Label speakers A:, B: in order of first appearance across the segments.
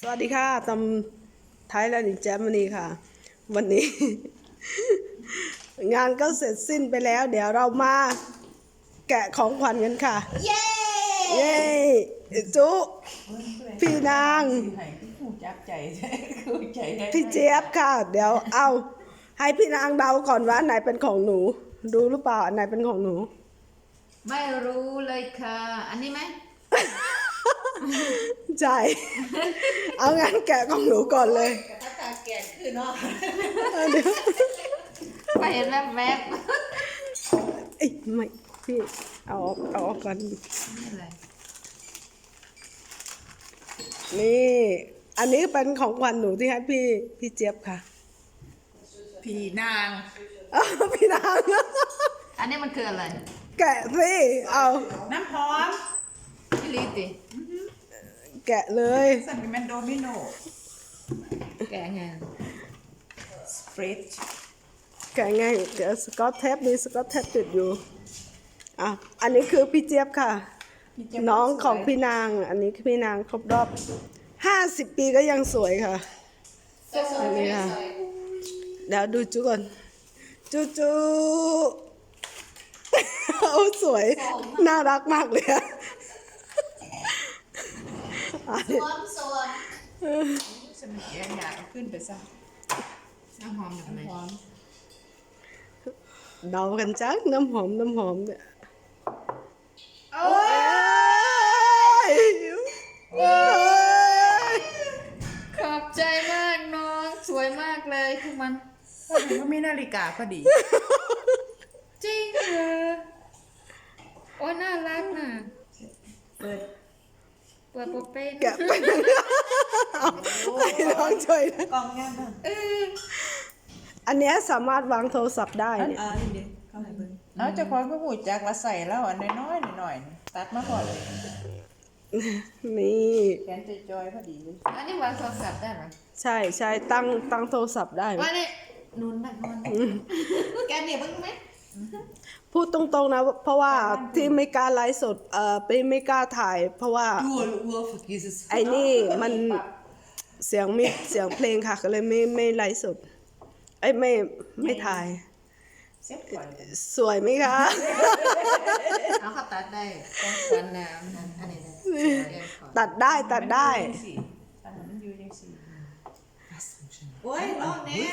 A: สวัสดีค่ะตำไทยแลนด์อินเจมนีค่ะวันนี้ งานก็เสร็จสิ้นไปแล้วเดี๋ยวเรามาแกะของขวัญกันค่ะเย้เย้จุพี่นางพี่เจี๊ยบค่ะเดี๋ยวเอาให้พี่นางเดาก่อนว่าไหนเป็นของหนูดูหรือเปล่าอันไหนเป็นของหนู
B: ไม่รู้เลยค่ะอันนี้ไหม
A: ใช่เอางั้นแกะของหนูก่อนเลย
C: ถ้าการแกะคือเนาะ
B: ไปเห็นแวบ
A: เอ้ยไม่พี่เอาออกก่อนนี่อันนี้เป็นของขวัญหนูที่ให้พี่เจี๊ยบค่ะ
C: พี่นาง
A: พี่นาง
B: อันนี้มันคืออะไร
A: แกะสิเอา
C: น้ำหอม
B: พี่ลีติ
A: แกะเลย
C: สั่งเป็นโดมิโน
B: แกะไง
C: สเปรด
A: แกะไงเดี๋ยวสกอตเทปมีสกอตเทปติดอยู่อ่ะอันนี้คือพี่เจี๊ยบค่ะน้องของพี่นางอันนี้พี่นางครบรอบ50 ปีก็ยังสวยค่ะอันนี้ค่ะเดี๋ยวดูจุก่อนจูโอ้สวยน่ารักมากเลยอะ
C: สวมฉันเอียงอยากขึ้นไปซะ
B: น้ำหอมแบบไหน
A: เดากันจังน้ำหอมเนี่ย
B: โอ้ยขอบใจมากน้องสวยมากเลยทุกมัน
C: ก็มีนาฬิกาพอดี
B: จริงเหรอโอ้น่ารักน่ะเปิดโปเป้
A: แกะไปให้น้องช่วยนะ
C: กล่องงานบ้าง
A: อันนี้สามารถวางโทรศัพท์ได้เนี่ย
C: นี่เข้าไปเบิ่งเอาจะคอยก็หูจักละใส่แล้วอันน้อยหน่อยตัดมาก่อนเลย
A: นี่
C: แขนจอยพอดีเลย
B: อันนี้วางโทรศัพท์ได้ไหม
A: ใช่ตั้งโทรศัพท์ได้
B: ว่านี่นุ่นนอนแกเนี่ยบ้างไหม
A: พูดตรงๆนะเพราะว่าที่ไม่กล้าไลฟ์สดไม่กล้าถ่ายเพราะว่าไอ้นี่มันเสียงเพลงค่ะก็เลยไม่ไลฟ์สดไม่ถ่ายสวยไหมคะ
B: เอาเขาตัดได้ต้องควันน้ำอันนี้
A: ตัดได้
C: โอ้ยลองแน่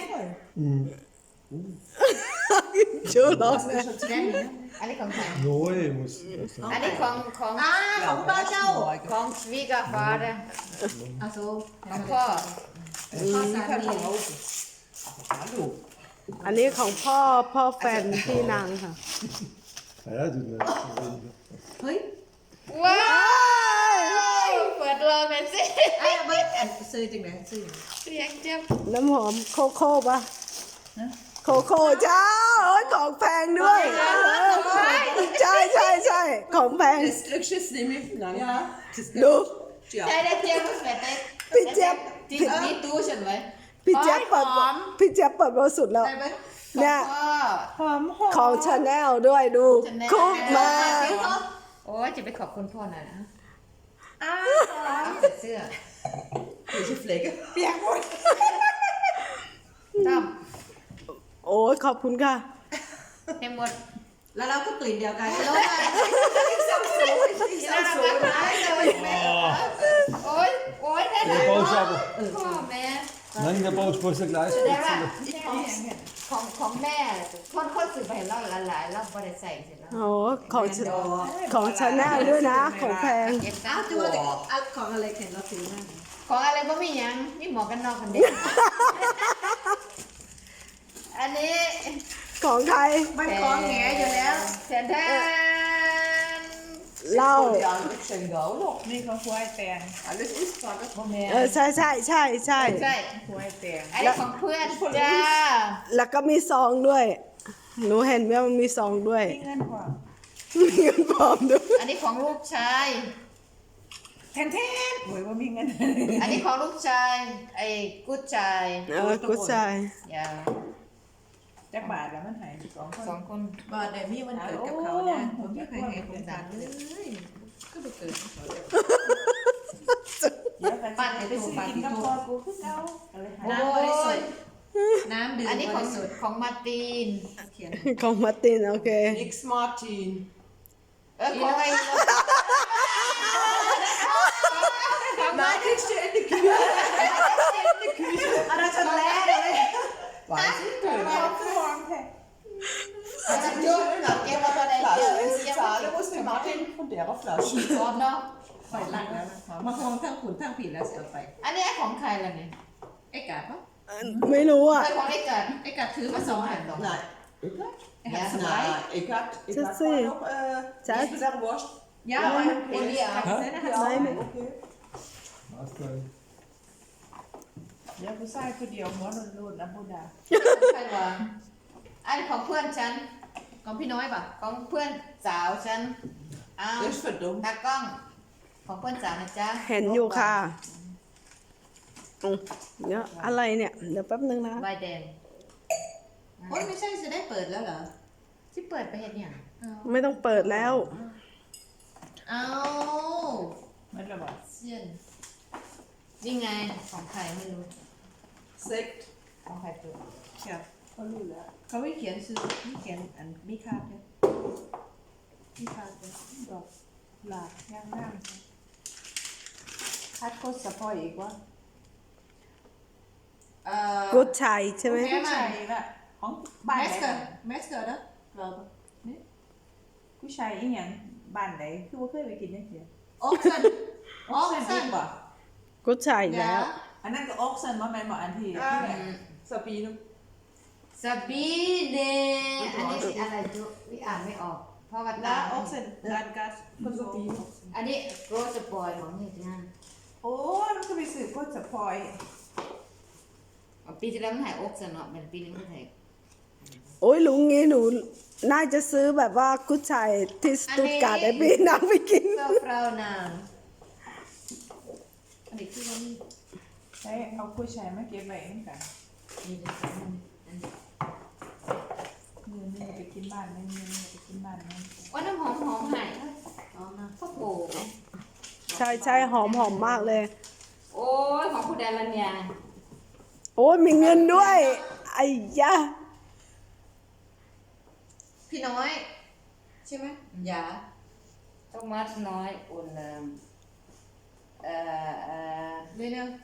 A: ชูร้องแน่
B: อันนี้ของใคร
D: Noe muss.
B: อันนี้ของ
C: ป้าเจ้า
B: ของสวีกาฟาเด้อาซูของพ่อ
C: สามี
A: อันนี้ของพ่อแฟนพี่นางค่ะ
D: Ja, du.
C: เฮ้ย
B: ว้าวเปิดเลยหน่อยสิ
C: ไอ้เบิ้ลซื้อจริงไหมซื้อ
B: เสียงเจ็บ
A: น้ำหอมโคโค่ปะโคโค่จ้าของแพงด้วยใช่ของแพงดู
B: ใช่ได้เจี๊ยบเสร็จได้
A: พี่เจี๊ยบ
B: นี่ตู้ฉันไว้
A: พี่เจี๊ยบเปิดบริสุทธิ์แล้วเนี่ยของชาแนลด้วยดูคุกมา
B: โอ้ยจะไปขอบคุณพ่อหน่อยนะเสื้อ
C: เปียกหมด
B: ตั้ม
A: โอ้ยขอบคุณค่ะ
B: ให้หมด
C: แล้วเราก็กลิ่นเดียวกัน
B: โอ้ยได้เลยพ่อแม่
D: Nein, der Bauchspeicher gleich.
B: ของแม่คนสื่อไปเล่าหลายๆเราไม่ได้ใส่เสร็จแล้ว
A: โอ้ของชาแนลด้วยนะของแพง
C: อ้าวตัวของอะไรเห็นเราซื้อนั่น
B: ของอะไรก็ไม่ยังนี่หมอกันนอกกันเด็กอันนี้
A: ของใคร
C: มันของแง่อยู่แล้ว
B: แทน
A: เล่า
C: นี่เขาควายแตง
A: ใช่
B: ควายแตงอันนี้ของเพื่อนจ้า
A: แล้วก็มีซองด้วยหนูเห็นไหมมันมีซองด้วย
C: มีเงินปลอม
A: ด้วย
B: อันนี้ของลูกชาย
C: แทนโวยว่ามีเงิน
B: อันนี้ของลูกชายไอ้กุ๊ดชาย
A: กุ๊ดชาย
B: อย่า
C: จักบาทแล้วมันหาย
B: สองคน
C: บาทแต่มีวันเกิดกับเขานะผมไม่เคยเห็นคนต่างเลยก็ไปเกิดเดี๋ยวกันไปซื้อกินกับพ่อกูคือเก่าก็เลยหา
B: น้ำบริสุทธิ์น้ำดื่มอันนี้ของสุดของมาร์ตินเขียน
A: ของมาร์ตินโอเค
E: Niks Martin.
B: ของอะไร
E: Nein, kriegst du in die Küche.
B: Das ist leer.
E: Weiß ich
C: เกิด
E: nicht.
C: มาคือวางแท้
B: Das ist schön. Gehen wir bei der
E: Flasche, wenn du
B: Kirche.
E: zahlen musst, den Martin von der Flasche.
B: พร้อมเนาะ
C: ไฟลักแล้วนะคะมาห้องทั้งขุนทั้งผีแล้วเสียไป
B: อันนี้ของใครล่ะเนี่ย
C: ไอ้กาดปะ
A: ไม่รู้อ่ะ
B: ใครของไอ้เกิด
C: ไอ้กาดถือมาสองอัน
E: Nein. Ik had?
B: Ja,
E: Nee, ik had
A: Dat
E: gewoon
A: zie je.
E: nog
A: Dat-
E: niet gezegd worst.
C: ยาวมัน
B: เอเลีย
A: Nee,
E: oké.
D: Was denn?
C: เดี๋ยวผู้ชายคนเดียวหัวโลนๆนะบูดา
B: ใครวะอันของเพื่อนฉัน ของพี่น้อยป่ะ ของเพื่อนสาวฉันอ้าว
E: Dat is verdomd.
B: ตากล้อง ของเพื่อนสาวนะจ๊ะ
A: เห็นอยู่ค่ะเดี๋ยวอะไรเนี่ย เดี๋ยวแป๊บนึงนะ
B: ใบแดง
C: โอ้ยไม่ใช่จะได้เปิดแล้วเหรอ
B: ที่เปิดไปเห็นอย่าง
A: ไม่ต้องเปิดแล้ว
B: เอา
C: มันระบาด
B: เสียนนี่ไง ของใครไม่รู้
E: Sekt.
B: ของใครเปิด
C: ครับเขารู้แล้วเขาไม่เขียนซื้อไม่เขียนอันมีคาดเนี่ยมีคาดเนี่ยดอกหลากย่างน้ำคาดโคตรสะพอยอีกวะ
A: กุดชัยใช่ไหม
C: ผู้ชายละของบ้านไหน
B: เมสเตอร์เด้อเรา
C: ผู้ชายอีหยังบ้านไหนคือว่าเคยไปกินได้เสีย
B: โอ๊กซัน
C: ออกเซนอีกบ่
A: กุดชัยอีกแล้ว
C: อันนั้นก็ออกเซนว่าแม่นบ่อันที่
E: Sabine.
B: สบีเดอันนี้สิอะไรจุวิอ่านไม่ออก เพราะว่า
C: ลา
B: ตา
C: ออกเซนร้านกัส
E: Van Sabine.
B: อันนี้โรสปอยของนี่ที่นั่น
C: โอ้มันก็ไปสืบโคตรสะพอย
B: ปีที่แล้วมันถ่ายโอ๊กซันเนาะเป็นปีนี้มันถ่าย
A: โอ้ยลุงงี้หนู น่าจะซื้อแบบว่ากุดชัยที่สตุตการ์ดไอ้พี่นางไปกิน
B: เจ้าเปล่านางอันนี้คือว่ามี
C: ใช้เอาผู้ชายมาเก็บไว้เหมือนกัน
B: มีเรื่องอันนี้
C: มือนึงไปกินบ้านนึงมือนึงไปกินบ้านนึง
B: ว่าน้ำหอมหอมหายอ๋อมาข้าวโพด
A: ใช่ใช่หอมหอมมากเลย
B: โอ้ยของคุณแดนลัญญา
A: โอ้ยมีเงินด้วย ไอ้ยะ
B: พี่น้อย ใช่ไหมยาต้องมัดน้อยอุ่นเรื่อย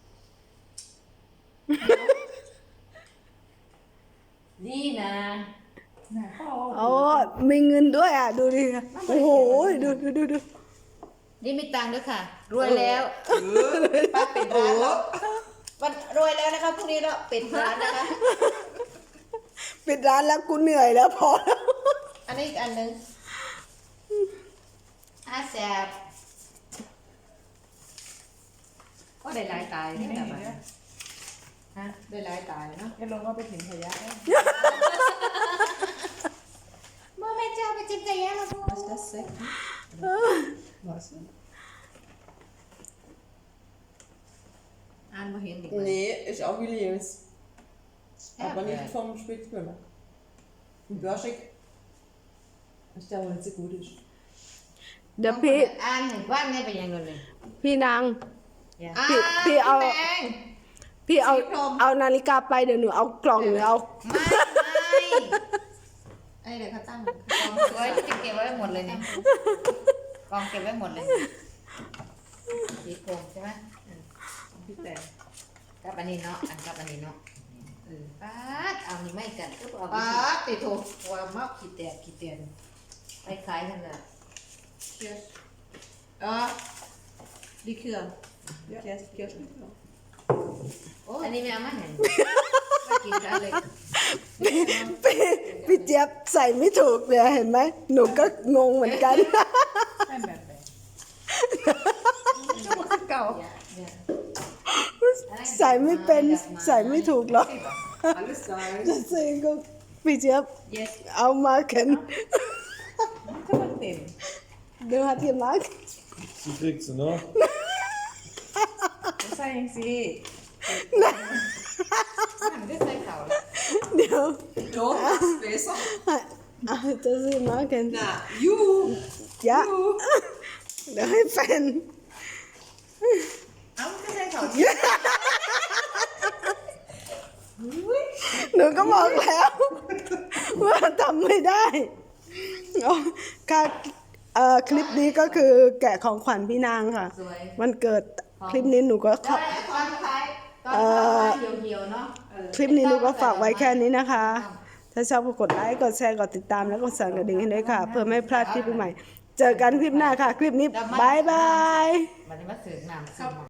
B: ๆดีนะ
C: น่ะเขา
A: โอ้มีเงินด้วยอ่ะ ดูดิ โอ้โห ดู
B: นี่มีตังค์ด้วยค่ะ รวยแล้วป้าปิดร้านแล้ววันรวยแล้วนะคะพรุ่งนี้เราปิดร้านนะคะ
A: ปิดร้านแล้วกูเหนื่อยแล้วพอแล้ว
B: อันนี้อีกอันหนึงแสบก็ได้หลายตาย
C: ไม่
B: เนี่ย
C: เห็น
B: แบบ
C: เนี่ย
B: ฮะได้หลายตายเนาะ
C: จะลงเอาไปถิ่นขยะได้
B: เมื่อแม่เจ้าไปจิ้มใจแย่แล้วพ่อ
C: Was das Sekt?
E: Was?
B: อ่านมาเห็นอีก
E: Nee, ist auch Williams. Aber nicht vom Spitzbühler. Ein Börschig. Ich glaube, nicht so gut ist.
A: เดี๋ยวพี่
B: อ่านเห็นว่าเนี่ยเป็นยังไงเลย
A: พี่นาง
B: อ่า
A: พี่เอา
B: แดง
A: พี่เอา
B: สีพรม
A: เอานาฬิกาไปเดี๋ยวหนูเอากล่องหรือเอา
B: ไม่ไอ้เดี๋ยวเขาตั้งกองไว้จะเก็บไว้หมดเลยเนี่ยกองเก็บไว้หมดเลยสีโคมใช่ไหม
C: พี่แต่
B: กับอันนี้เนาะอันกับอันนี้เนาะป้าดเอานี่ไม่กันก็เอาป้าดติดถูกว่ามากขี้แตกขี้เตียนไปขายกันเลย
C: Cheers.
B: ดีเครื่อง
C: Cheers. Cheers.
B: โอ้อันนี้ไม่เอามาเห็นไม่กินได้เลย
A: พี่เจี๊ยบใส่ไม่ถูกเลยเห็นไหม หนูก็งงเหมือนกัน
C: ให้แบบไหน
B: เก่า
A: ใส่ไม่เป็นใส่ไม่ถูกหรอก
E: Alles sein.
A: จะซื้อก็พี่เจี๊ยบ
B: yes
A: เอามาเข็น
C: ถ้ามันเต็ม
A: เดี๋ยวหาที่มาร์ก
D: Die kriegst du noch.
C: ใส่ยังสิ
B: มันได้ใส่เข่าแล้ว
A: เดี๋ยว
E: Doch, das ist besser.
A: จะซื้อมาเข็น
E: Na, juhu.
A: ยะเดี๋ยวให้แฟนหนูก็บอกแล้วว่าทำไม่ได้อ๋อค่ะคลิปนี้ก็คือแกะของขวัญพี่นางค่ะ
B: สวย
A: วันเกิดคลิปนี้หนูก็
B: ได้ตอนท้ายตอนท้ายเหี่ยวๆเนาะ
A: คลิปนี้หนูก็ฝากไว้แค่นี้นะคะ ถ้าชอบก็กดไลค์กดแชร์กดติดตามแล้วก็สั่นกระดิ่งให้ด้วยค่ะ เพื่อไม่พลาดคลิปใหม่ เจอกันคลิปหน้าค่ะ คลิปนี้บายบาย
B: มันจะมาเสือกน้ำ